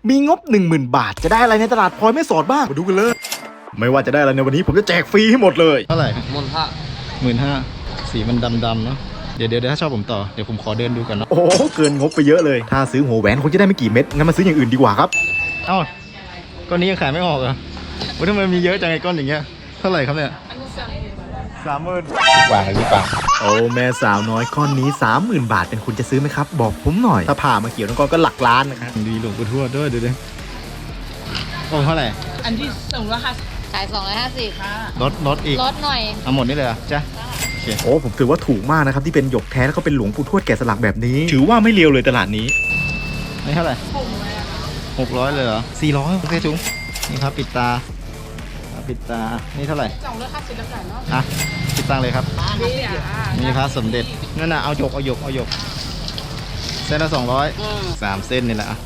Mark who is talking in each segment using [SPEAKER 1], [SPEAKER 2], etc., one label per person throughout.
[SPEAKER 1] มีงบ 10,000 บาทจะได้อะไรในตลาดพลอยไม่สอดบ้างมาดูกันเลยไม่ว่าจะได้อะไรในวันนี้ผมจะแจกฟรีให้หมดเลย
[SPEAKER 2] เท่าไหร่
[SPEAKER 3] 15,000
[SPEAKER 2] สีมันดำๆเนาะเดี๋ยวถ้าชอบผมต่อเดี๋ยวผมขอเดินดูก่อนเนาะ
[SPEAKER 1] โอ้เกินงบไปเยอะเลยถ้าซื้อหัวแหวนคงจะได้ไม่กี่เม็ดงั้นมาซื้ออย่างอื่นดีกว่าครับ
[SPEAKER 2] เอ้าก้อนนี้ยังขายไม่ออกเหรอว่าทำไมมีเยอะจังไอ้ก้อนอย่างเงี้ยเท่าไหร่ครับเนี่ย
[SPEAKER 3] วางเลยพี่ปัง
[SPEAKER 1] โอ้แม่สาวน้อยก้อนนี้ 30,000 บาทเป็นคุณจะซื้อไหมครับบอกผมหน่อยถ้าผ่ามาเกี่ยวทั้งก้อนก็หลักล้านนะครับ
[SPEAKER 2] ดีหลวงปู่ทวดด้วยดูดิโอ้เท่าไหร่
[SPEAKER 4] อันที่250
[SPEAKER 5] ขาย250ค่ะ
[SPEAKER 2] ลดอีก
[SPEAKER 5] ลดหน่อย
[SPEAKER 2] เอาหมดนี่เลยเหรอจ๊ะ
[SPEAKER 1] โอ้ผมถือว่าถูกมากนะครับที่เป็นหยกแท้แล้วก็เป็นหลวงปู่ทวดแกะสลักแบบนี้ถือว่าไม่เลวเลยตลาดนี้
[SPEAKER 2] นี่เท่าไหร่600เลยเหรอ400โอเคจุ๊งนี่ครับปิดตานี่เท่าไหร่
[SPEAKER 4] 250แล้วกันเนาะ
[SPEAKER 2] อ่ะปิดตังเลยครับนี่ครับสมเด็จนั่นน่ะเอาหยกเส้นละ200 3เส้นนี่แหละ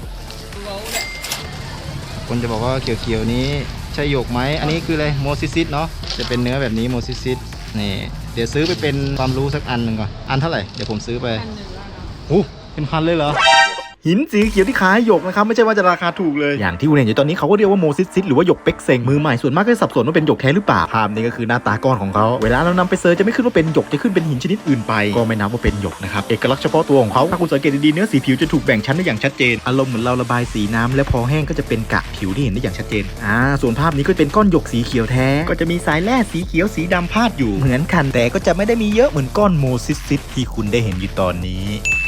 [SPEAKER 2] คนจะบอกว่าเขียวๆนี้ใช่หยกไหมอันนี้คืออะไรโมซิซิสเนาะจะเป็นเนื้อแบบนี้โมซิซิสนี่เดี๋ยวซื้อไปเป็นความรู้สักอันหนึ่งก่อนอันเท่าไหร่เดี๋ยวผมซื้อไปเป็นพันเลยเหรอ
[SPEAKER 1] หินสีเขียวที่ขายหยกนะครับไม่ใช่ว่าจะราคาถูกเลยอย่างที่คุณเห็นอยู่ตอนนี้เขาก็เรียกว่าโมซิซิสหรือว่าหยกเป็กเซ็งมือใหม่ส่วนมากก็สับสนว่าเป็นหยกแท้หรือเปล่าภาพนี้ก็คือหน้าตาก้อนของเขาเวลาเรานำไปเซิร์ชจะไม่ขึ้นว่าเป็นหยกจะขึ้นเป็นหินชนิดอื่นไปก็ไม่นับว่าเป็นหยกนะครับเอกลักษณ์เฉพาะตัวของเขาถ้าคุณสังเกตดีๆเนื้อสีผิวจะถูกแบ่งชั้นได้อย่างชัดเจนอารมณ์เหมือนเราระบายสีน้ำและพอแห้งก็จะเป็นกะผิวที่เห็นได้อย่างชัดเจนส่วนภาพนี้ก็เป็นก้อนหยกสีเขียวแท้ก็จะมีสายแร่สีเขียวสีดำพาดอยู่เหมือนกันแต่ก็จะไม่ได้มีเยอะเหมือนก้อนโมซิซิสที่คุณได้เห็นอยู่ตอนนี้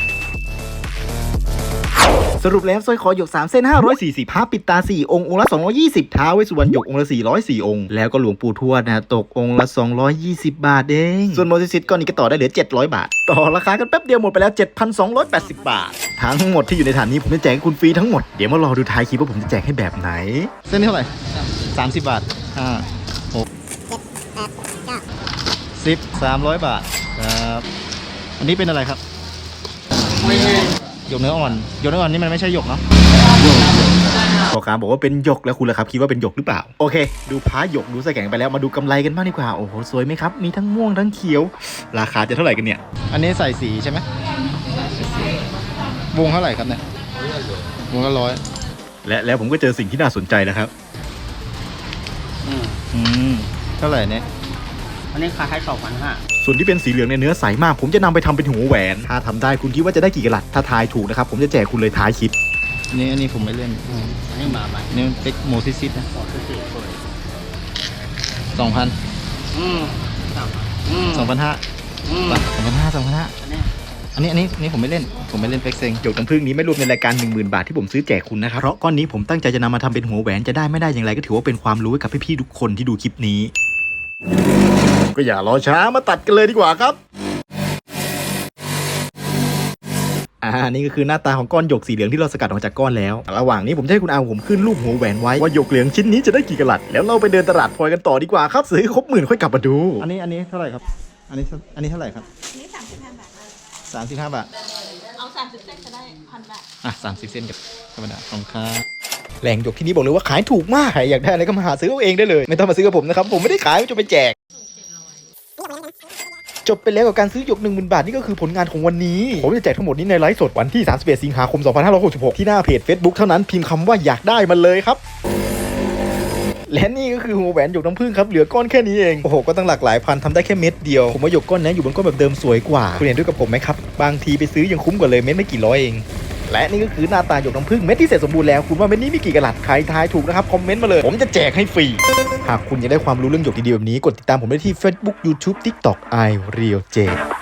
[SPEAKER 1] สรุปแล้วสร้อยคอหยก3เส้น540ผ้าปิดตา4องค์องค์ละ220ท้าวเวสสุวรรณหยกองค์ละ404องค์แล้วก็หลวงปู่ทวดนะตกองค์ละ220 บาทเองส่วนโมซิซิสก้อนนี้ก็ต่อได้เหลือ700 บาทต่อราคากันแป๊บเดียวหมดไปแล้ว 7,280 บาททั้งหมดที่อยู่ในฐานนี้ผมจะแจกให้คุณฟรีทั้งหมดเดี๋ยวมารอดูท้ายคลิปว่าผมจะแจกให้แบบไหน
[SPEAKER 2] เส้นนี้เท่าไหร่30 บาท5 6 10 300 บาทครับอันนี้เป็นอะไรครับหยกเนื้ออ่อนนี่มันไม่ใช่หยกเนาะ
[SPEAKER 1] พ่อค้าบอกว่าเป็นหยกแล้วคุณล่ะครับคิดว่าเป็นหยกหรือเปล่าโอเคดูพ้าหยกดูใส่แข็งไปแล้วมาดูกำไรกันบ้างดีกว่าโอ้โหสวยไหมครับมีทั้งม่วงทั้งเขียวราคาจะเท่าไหร่กันเนี่ย
[SPEAKER 2] อันนี้ใส่สีใช่ไหมวงเท่าไหร่ครับเนี่ยวงละ100
[SPEAKER 1] แล้วผมก็เจอสิ่งที่น่าสนใจนะครับ
[SPEAKER 2] เท่าไหร่เนี่ย
[SPEAKER 4] อันนี้ขาย2,500
[SPEAKER 1] ส่วนที่เป็นสีเหลืองในเนื้อใสมากผมจะนำไปทำเป็นหัวแหวนถ้าทำได้คุณคิดว่าจะได้กี่กะรัตถ้าทายถูกนะครับผมจะแจกคุณเลยท้ายคลิป
[SPEAKER 2] อันนี้ผมไม่เล่น
[SPEAKER 4] อันนี้มาใหม่
[SPEAKER 2] นี่เป็นโมซิซิสนะ2,000 2,500อันนี้ผมไม่เล่นเป็กเซ็ง
[SPEAKER 1] หยกน้ำผึ้งนี้ไม่รวมในรายการ 10,000 บาทที่ผมซื้อแจกคุณนะครับเพราะก้อนนี้ผมตั้งใจจะนำมาทำเป็นหัวแหวนจะได้ไม่ได้อย่างไรก็ถือว่าเป็นความรู้ให้กับพี่ๆทุกคนที่ดูคลิปนี้ก็อย่ารอช้ามาตัดกันเลยดีกว่าครับนี่ก็คือหน้าตาของก้อนหยกสีเหลืองที่เราสกัดออกจากก้อนแล้วระหว่างนี้ผมจะให้คุณอาผมขึ้นรูปหัวแหวนไว้ว่าหยกเหลืองชิ้นนี้จะได้กี่กะรัตแล้วเราไปเดินตลาดพลอยกันต่อดีกว่าครับซื้อครบ10,000ค่อยกลับมาดู
[SPEAKER 2] อันนี้เท่าไหร่ครับอันนี้เท่าไหร่ครับ
[SPEAKER 5] อันนี้35 บาท
[SPEAKER 2] 35 บาท
[SPEAKER 5] เอา30เส้นจะได้1,000 บาท
[SPEAKER 2] 30 เส้นกับธรรมดาของค่า
[SPEAKER 1] แหล่งหยกที่นี้บอกเลยว่าขายถูกมากใครอยากได้อะไรก็มาหาซื้อเอาเองได้เลยไม่ต้องมาซื้อกับผมนะครับผมไม่ได้ขายจะไปแจกจบไปแล้วกับการซื้อหยก 10,000 บาทนี่ก็คือผลงานของวันนี้ผมจะแจกทั้งหมดนี้ในไลฟ์สดวันที่31 สิงหาคม 2566ที่หน้าเพจ Facebook เท่านั้นพิมพ์คำว่าอยากได้มันเลยครับและนี่ก็คือหัวแหวนหยกน้ำผึ้งครับเหลือก้อนแค่นี้เองโอ้โหก็ตั้งหลากหลายพันทำได้แค่เม็ดเดียวผมว่าหยกก้อนนี้อยู่บนก้อนแบบเดิมสวยกว่าคุณเห็นด้วยกับผมไหมครับบางทีไปซื้อยังคุ้มกว่าเลยเม็ดไม่กี่ร้อยเองและนี่ก็คือหน้าตาหยกน้ำผึ้งเม็ดที่เสร็จสมบูรณ์แล้วคุณว่าเม็ดนี้มีกี่กะรัตใครทายถูกนะครับคอมเมนต์มาเลยผมจะแจกให้ฟรีหากคุณอยากได้ความรู้เรื่องหยกดีๆแบบนี้กดติดตามผมได้ที่ Facebook YouTube TikTok iRealJ